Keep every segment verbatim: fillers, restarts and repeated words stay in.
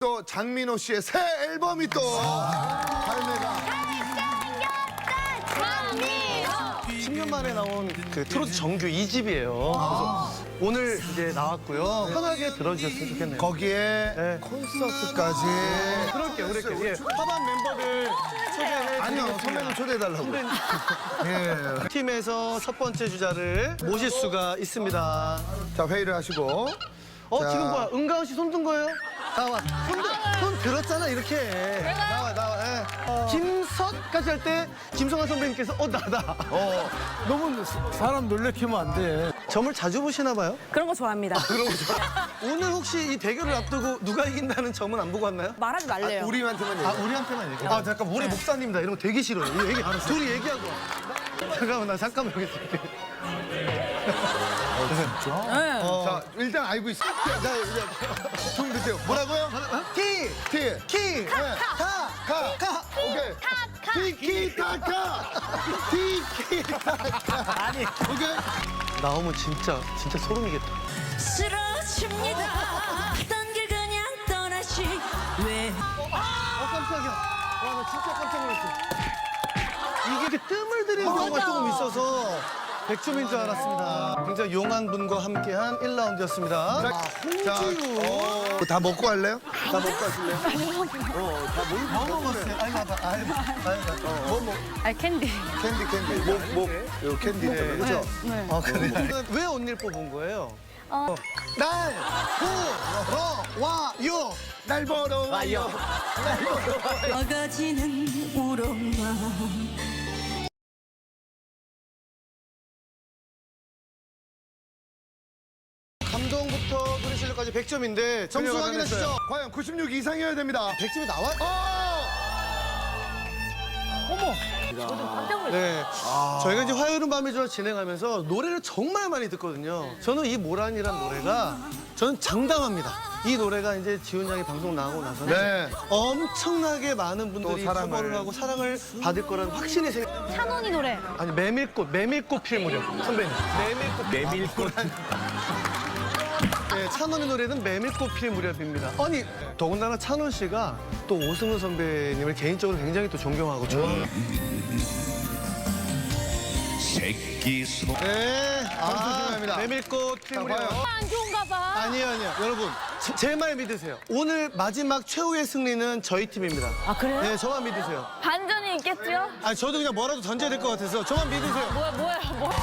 또 장민호 씨의 새 앨범이 또 발매가. 십 년 만에 나온 그 트로트 정규 이 집이에요. 그래서 오늘 이제 나왔고요. 편하게 들어주셨으면 좋겠네요. 거기에 네. 콘서트까지. 그럴게요, 그럴게요. 예. 화반 멤버들 소개해 아니요, 선배님 초대해달라고. 예. 팀에서 첫 번째 주자를 모실 수가 있습니다. 자, 회의를 하시고. 어, 자. 지금 뭐야? 은가은 씨 손 든 거예요? 나와. 손, 들- 손 들었잖아, 이렇게. 나와, 나와. 예. 어. 김석까지 할 때 김성환 선배님께서 어, 나다. 어. 너무 사람 놀래키면 안 돼. 점을 자주 보시나 봐요? 그런 거 좋아합니다. 오늘 혹시 이 대결을 앞두고 누가 이긴다는 점은 안 보고 왔나요? 말하지 말래요. 우리한테만 얘기해. 아, 우리한테만 얘기해. 아, 잠깐, 우리 목사님이다. 이런 거 되게 싫어요. 이거 얘기, 둘이 얘기하고 와. 잠깐만, 나 잠깐만 여기 있을게. 네. 자, 일단 알고 있어. 자, 자, 이제 좀 드세요. 뭐라고요? 티! 티. 키! 가. 가. 가. 오케이. 티키타카. 티키타카. 아니. 오케이. 나오면 진짜, 진짜 소름이겠다. 쓰러집니다. 딴 길 그냥 떠나시 왜 어, 깜짝이야. 와, 나 진짜 깜짝 놀랐어. 이게 이렇게 뜸을 들이는 경우가 조금 있어서 백점인 줄 알았습니다. 굉장히 용한 분과 함께한 일 라운드였습니다. 자, 자, 홍지유. 어, 다 먹고 할래요? 다 먹고 하실래요? 뭐 먹었어요? 아니, 봐봐. 아니, 아니, 뭐, 뭐. 아 캔디. 캔디, 캔디. 목, 목. 요 캔디 있잖아요. 그죠? 네. 아, 그래? 왜 언니를 뽑은 거예요? 어. 날, 보, 러, 와, 요. 날 보러 와요. 막아지는 우렁만 감동부터 노래 실력까지 백 점인데 점수 확인하시죠. 과연 구십육 이상이어야 됩니다. 백 점이 나와? 어! 네. 저희가 이제 화요일은 밤이죠 진행하면서 노래를 정말 많이 듣거든요. 저는 이 모란이란 노래가 저는 장담합니다. 이 노래가 이제 지훈 양이 방송 나오고 나서는 네. 엄청나게 많은 분들이 또 사랑을. 커버를 하고 사랑을 받을 거라는 확신이 생. 찬원이 노래. 아니 메밀꽃 메밀꽃 필 무렵 선배님. 메밀꽃 메밀꽃. 네, 찬원의 노래는 메밀꽃 필 무렵입니다. 아니 더군다나 찬원 씨가 또 오승훈 선배님을 개인적으로 굉장히 또 존경하고 좋아해요. 새끼 소 네, 조심합니다. 메밀꽃 필 무렵. 과연. 안 좋은가 봐. 아니요, 아니요. 여러분, 제 말 믿으세요. 오늘 마지막 최후의 승리는 저희 팀입니다. 아 그래요? 네, 저만 믿으세요. 반전이 있겠죠? 아니, 저도 그냥 뭐라도 던져야 될 것 같아서 저만 믿으세요. 뭐야 뭐야 뭐야.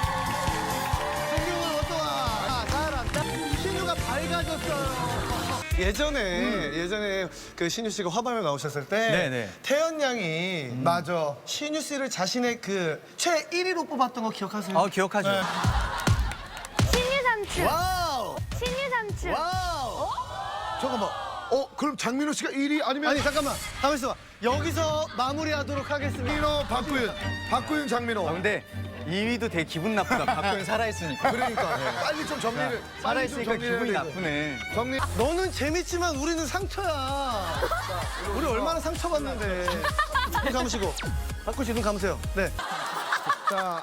승경은 어떠와? 아, 잘한다. 신유가 밝아졌어요. 예전에, 예전에 그 신유 씨가 화방에 나오셨을 때 네네. 태연 양이 맞아. 신유 씨를 자신의 그 최 일 위로 뽑았던 거 기억하세요? 어, 기억하죠. 네. 신유 삼촌. 와우! 신유 삼촌. 와우! 잠깐만. 어, 그럼 장민호 씨가 일 위 아니면 아니, 잠깐만. 가만 있어봐. 여기서 마무리하도록 하겠습니다. 장민호, 박구윤. 박구윤, 장민호. 근데 이 위도 되게 기분 나쁘다. 박구현 살아있으니까. 그러니까 빨리 좀 정리를. 빨리 좀 살아있으니까 정리를 기분이 해야 돼, 나쁘네. 이거. 정리. 너는 재밌지만 우리는 상처야. 우리 얼마나 상처받는데. 눈 감으시고. 박구 씨 눈 감으세요. 네. 자,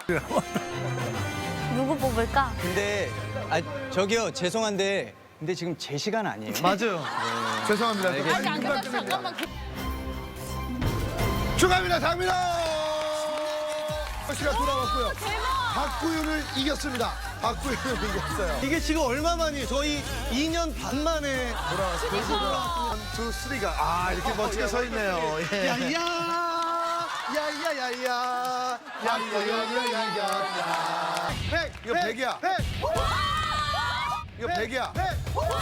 누구 뽑을까? 근데 아 저기요 죄송한데 근데 지금 제 시간 아니에요. 맞아요. 죄송합니다. 아직 빨리 안 금방 끝났어. 끝냅니다. 잠깐만. 축하합니다, 장민호! 씨가 돌아왔고요. 대박. 박구윤을 이겼습니다. 박구윤을 이겼어요. 이게 지금 얼마 만이에요? 저희 이 년 반 만에 돌아왔어요. 원, 투, 쓰리가. 아, 이렇게 멋지게 서 있네요. 예. 야야 야야야야 야야야야야 백! 이거 백이야. 백! 이거 백이야. 백!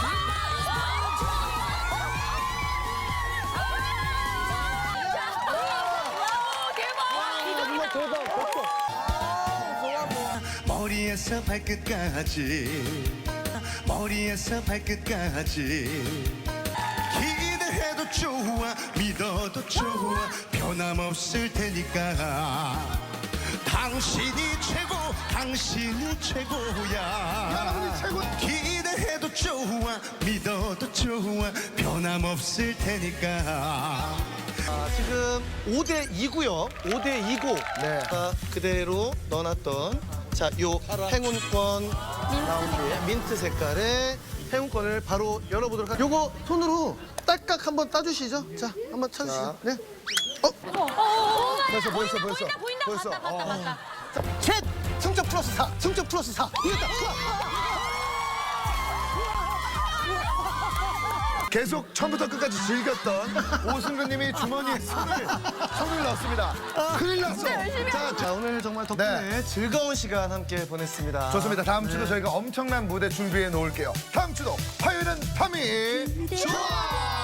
머리에서 발끝까지 머리에서 발끝까지 기대해도 좋아 믿어도 좋아 변함없을 테니까 당신이 최고 당신이 최고야 여러분이 최고. 기대해도 좋아 믿어도 좋아 변함없을 테니까 아, 지금 오 대 이고요. 오 대 이고. 네. 아, 그대로 넣어놨던 자, 요 행운권 라운드에 민트 색깔의 행운권을 바로 열어보도록 할게요. 요거 손으로 딸깍 한번 따주시죠. 자, 한번 쳐주시죠. 네. 벌써 보였어 보였어. 보인다, 보였어. 봤다, 봤다, 봤다. 셋! 승점 플러스 사! 승점 플러스 사! 이겼다! 계속 처음부터 끝까지 즐겼던 오승근님이 주머니에 손을 손을 넣었습니다. 큰일 났어. 자, 자, 오늘 정말 덕분에 네. 즐거운 시간 함께 보냈습니다. 좋습니다. 다음 주도 저희가 엄청난 무대 준비해 놓을게요. 다음 주도 화요일은 밤이 좋아.